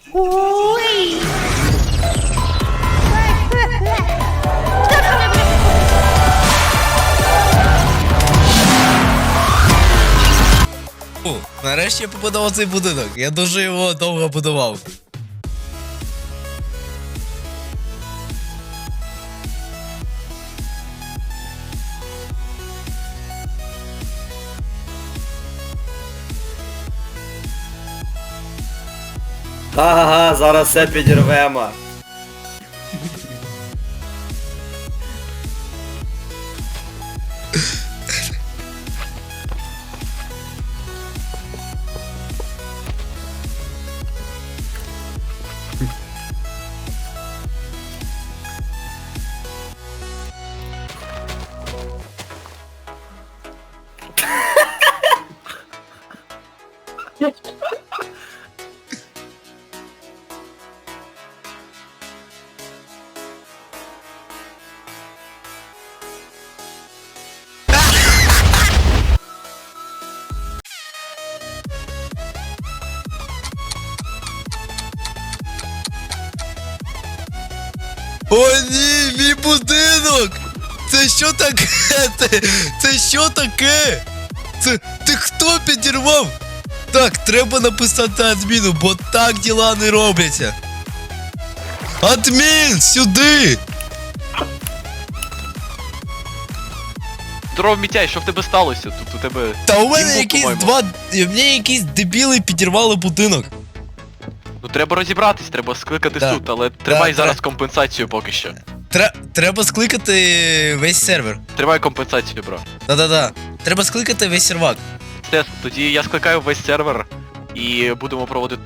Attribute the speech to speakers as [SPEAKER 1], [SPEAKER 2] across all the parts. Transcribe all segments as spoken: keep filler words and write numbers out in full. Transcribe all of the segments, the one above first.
[SPEAKER 1] Ой!
[SPEAKER 2] О, нарешті я побудував цей будинок. Я дуже його довго будував.
[SPEAKER 3] Ага, зараз все підірвемо.
[SPEAKER 2] О ні, мій будинок! Це що таке? Це, це що таке? Це ти хто підірвав? Так, треба написати адміну, бо так діла не робляться. Адмін, сюди!
[SPEAKER 4] Здоров, Мітяй, що в тебе сталося? Тут у тебе...
[SPEAKER 2] Та у мене
[SPEAKER 4] Імбу,
[SPEAKER 2] якісь
[SPEAKER 4] по-моєму.
[SPEAKER 2] два. Мені якісь дебіли підірвали будинок.
[SPEAKER 4] Ну треба розібратись, треба скликати
[SPEAKER 2] Да.
[SPEAKER 4] суд, але тримай
[SPEAKER 2] Да,
[SPEAKER 4] зараз
[SPEAKER 2] да.
[SPEAKER 4] компенсацію поки що.
[SPEAKER 2] Тре- треба скликати весь сервер.
[SPEAKER 4] Тримай компенсацію, бро.
[SPEAKER 2] Да-да-да. Треба скликати весь сервак.
[SPEAKER 4] Тес, тоді я скликаю весь сервер і будемо проводити...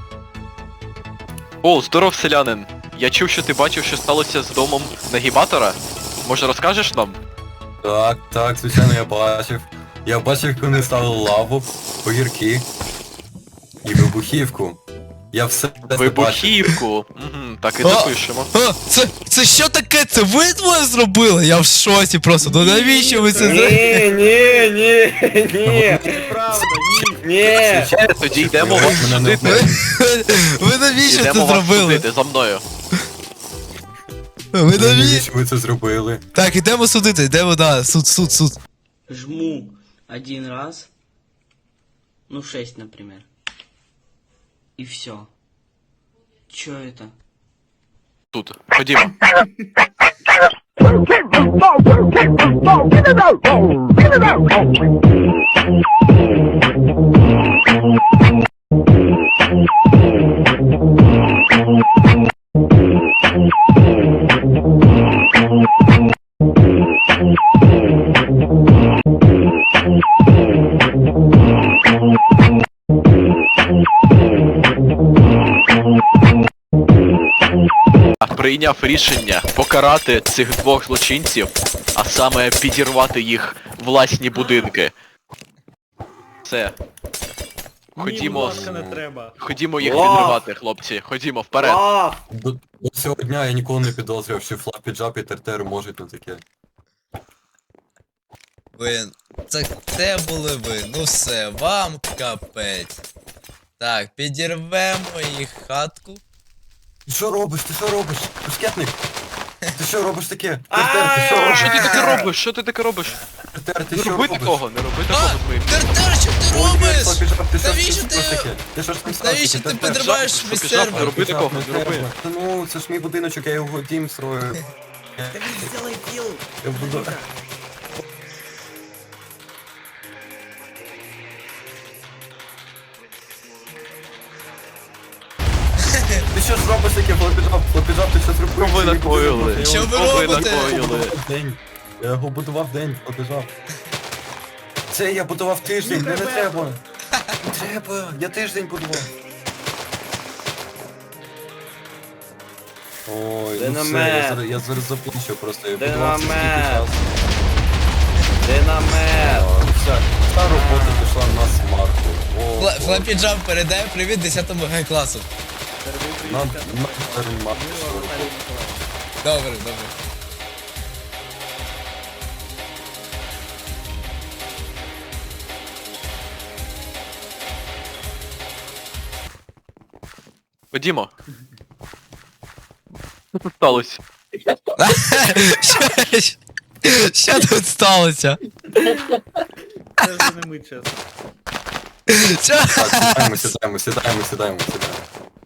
[SPEAKER 4] О, здоров, селянин. Я чув, що ти бачив, що сталося з домом нагібатора. Може розкажеш нам?
[SPEAKER 5] Так, так, звичайно, я бачив. Я бачив, як вони ставили лаву, огірки і вибухівку. Я все це бачив.
[SPEAKER 4] Вибухівку. Угу, так і
[SPEAKER 2] А!
[SPEAKER 4] запишемо.
[SPEAKER 2] А, це, це що таке? Це ви двоє зробили? Я в шоці просто. Ну навіщо ви це зробили?
[SPEAKER 3] Ні, ні, ні, ні. Правда, ні. Ні.
[SPEAKER 5] Звичайно,
[SPEAKER 4] Тоді йдемо
[SPEAKER 5] ви
[SPEAKER 4] вас
[SPEAKER 5] мене не
[SPEAKER 4] судити.
[SPEAKER 2] Ви навіщо це
[SPEAKER 4] Йдемо вас
[SPEAKER 2] зробили?
[SPEAKER 4] судити за мною.
[SPEAKER 2] Ви
[SPEAKER 5] Навіщо
[SPEAKER 2] навіщо?
[SPEAKER 5] ви це зробили?
[SPEAKER 2] Так, ідемо судити, йдемо, да, суд, суд, суд.
[SPEAKER 6] Жму один раз, ну шесть, например, и все. Чё это?
[SPEAKER 4] Тут. Ходімо. Прийняв рішення покарати цих двох злочинців, а саме підірвати їх власні будинки. Все. Ходімо, з-
[SPEAKER 3] не треба.
[SPEAKER 4] ходімо їх
[SPEAKER 3] Лав!
[SPEAKER 4] підривати, хлопці. Ходімо вперед.
[SPEAKER 3] А,
[SPEAKER 5] До, до цього дня я ніколи не підозрював, що флапі джап і тертери можуть на таке.
[SPEAKER 2] Ви, це, це були ви, ну все, вам капець. Так, підірвемо їх хатку.
[SPEAKER 5] Ти що робиш? Ти що робиш? Бушкетник? Ти що робиш таке?
[SPEAKER 3] А!
[SPEAKER 5] Тертер, ти що робиш?
[SPEAKER 4] Що ти таке робиш? Що ти таке робиш?
[SPEAKER 5] Тертер, ти
[SPEAKER 4] Не
[SPEAKER 5] що
[SPEAKER 4] роби
[SPEAKER 5] робиш?
[SPEAKER 4] такого, не роби
[SPEAKER 2] А,
[SPEAKER 4] такого з моїм.
[SPEAKER 2] Тертер, що ти
[SPEAKER 5] Ой,
[SPEAKER 2] робиш?
[SPEAKER 5] флапі джап, ти що
[SPEAKER 2] Навіщо
[SPEAKER 5] ж
[SPEAKER 2] ти-
[SPEAKER 5] таке? Ти що ж там
[SPEAKER 2] Навіщо ти
[SPEAKER 5] Тертер?
[SPEAKER 2] підриваєш
[SPEAKER 4] Жаб,
[SPEAKER 2] весь
[SPEAKER 4] жаб, жаб,
[SPEAKER 2] сервер?
[SPEAKER 4] не роби такого, не роби.
[SPEAKER 5] Та ну, це ж мій будиночок, я його дім строю. Я буду... Ти що ж робиш таке, флопіджап? Флопіджап, ти що зробив?
[SPEAKER 4] Що ви
[SPEAKER 5] Це мій
[SPEAKER 4] накоїли?
[SPEAKER 5] будинок, я
[SPEAKER 2] Що
[SPEAKER 5] його
[SPEAKER 2] ви
[SPEAKER 4] ви
[SPEAKER 2] робите?
[SPEAKER 4] накоїли?
[SPEAKER 5] будував день. Я його будував день, флопіджап. Це я будував тиждень, не, не треба. Не треба, я тиждень будував. Ой, ну все,
[SPEAKER 3] Динамет.
[SPEAKER 5] я зараз, я зараз заплачу просто, я будував це скільки
[SPEAKER 3] Динамет.
[SPEAKER 5] часу.
[SPEAKER 3] динамет.
[SPEAKER 5] А, Вся, вся робота пішла на смарку. О,
[SPEAKER 2] Фла-
[SPEAKER 5] о,
[SPEAKER 2] Флапі Джамп передає привіт десятому Г класу.
[SPEAKER 5] на, на терма пішла робота.
[SPEAKER 2] Добре, добре.
[SPEAKER 4] Ходімо. Що тут сталося?
[SPEAKER 2] Що- що- Що тут сталося?
[SPEAKER 3] Це вже не ми, чесно.
[SPEAKER 2] Що?
[SPEAKER 5] Так, сідаємо, сідаємо, сідаємо, сідаємо, сідаємо.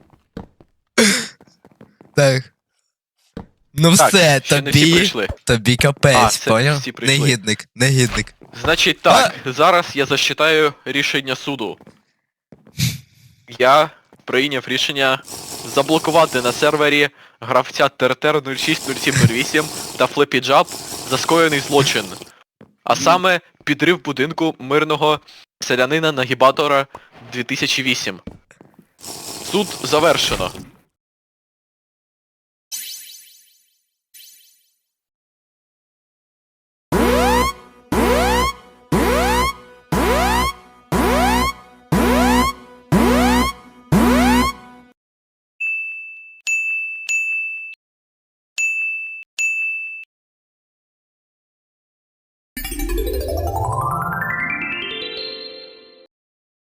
[SPEAKER 2] Так. Ну
[SPEAKER 4] Так,
[SPEAKER 2] все,
[SPEAKER 4] ще не всі
[SPEAKER 2] тобі,
[SPEAKER 4] прийшли.
[SPEAKER 2] тобі
[SPEAKER 4] А,
[SPEAKER 2] капець,
[SPEAKER 4] все,
[SPEAKER 2] поняв?
[SPEAKER 4] всі прийшли.
[SPEAKER 2] Негідник, негідник.
[SPEAKER 4] Значить так, зараз я зачитаю рішення суду. Я прийняв рішення заблокувати на сервері гравця Тертер нуль шість нуль сім нуль вісім та FlappyJab за скоєний злочин. А саме підрив будинку мирного селянина Нагібатора дві тисячі вісім. Суд завершено.